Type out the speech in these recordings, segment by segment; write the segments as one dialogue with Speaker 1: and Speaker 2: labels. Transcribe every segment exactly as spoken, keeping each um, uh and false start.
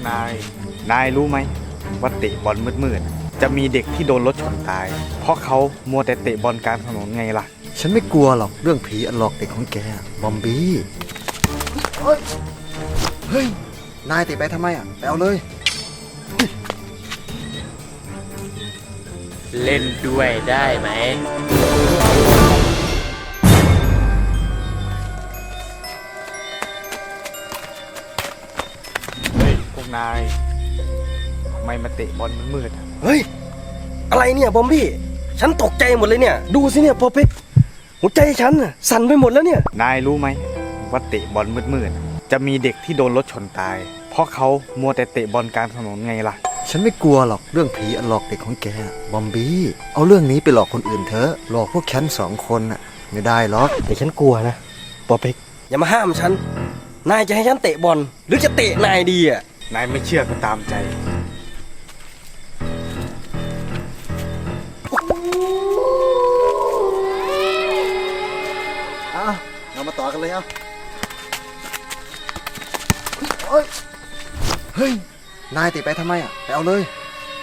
Speaker 1: นาย นายรู้ไหมว่าเตะบอลมืดๆจะมีเด็กที่โดนรถชนตาย เพราะเขามัวแต่เตะบอลกลางถนนไงล่ะ
Speaker 2: ฉันไม่กลัวหรอกเรื่องผีอันหลอกเด็กของแกบอมบี้เฮ้ยเฮ้ยนายเตะไปทำไมอ่ะไปเอาเลย
Speaker 3: เล่นด้วยได้ไหม
Speaker 1: เฮ้ยพวกนายทำไมมาเตะบอลมืดๆอะ
Speaker 4: เฮ้ยอะไรเนี่ยบอมบี้ฉันตกใจหมดเลยเนี่ยดูสิเนี่ยพอเพ็กหัวใจฉันน่ะสั่นไปหมดแล้วเนี่ย
Speaker 1: นายรู้ไหมว่าเตะบอลมืดๆจะมีเด็กที่โดนรถชนตาย เพราะเขามัวแต่เตะบอลกลางถนนไงล่ะ
Speaker 2: ฉันไม่กลัวหรอกเรื่องผีอันหลอกเด็กของแกบอมบี้เอาเรื่องนี้ไปหลอกคนอื่นเถอะหลอกพวกฉันสองคนน่ะไม่ได้หรอก
Speaker 4: แต่ฉันกลัวนะปอเพ็กอย่ามาห้ามฉันนายจะให้ฉันเตะบอลหรือจะเตะนายดีอ่ะ
Speaker 1: นายไม่เชื่อก็ตามใจ
Speaker 2: อ่ะเรามาต่อกันเลยเอาเฮ้ยเฮ้ยนายเตะไปทำไมอ่ะไปเอาเลย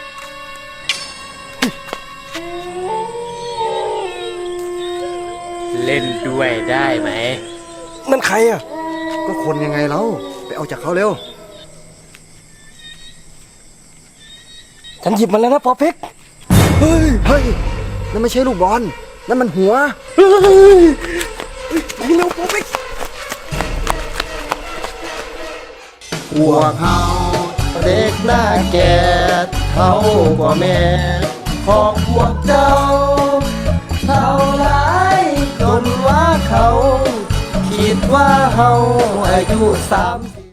Speaker 3: เล่นด้วยได้ไหม
Speaker 4: นั่นใครอ่ะ
Speaker 2: ก็คนยังไงเราไปเอาจากเขาเร็ว
Speaker 4: ฉันหยิบมันแล้วนะปอเพ็ก
Speaker 2: เฮ้ยเฮ้ยนั่นไม่ใช่ลูกบอลนั่นมันหัว
Speaker 4: เฮ้ยไปเร็วปอเพ็ก
Speaker 2: พวกเขาเด็กหน้าแก่เขากว่าแม่ของพวกเจ้าเท่าไรจนว่าเขาคิดว่าเขาอายุสามสิบ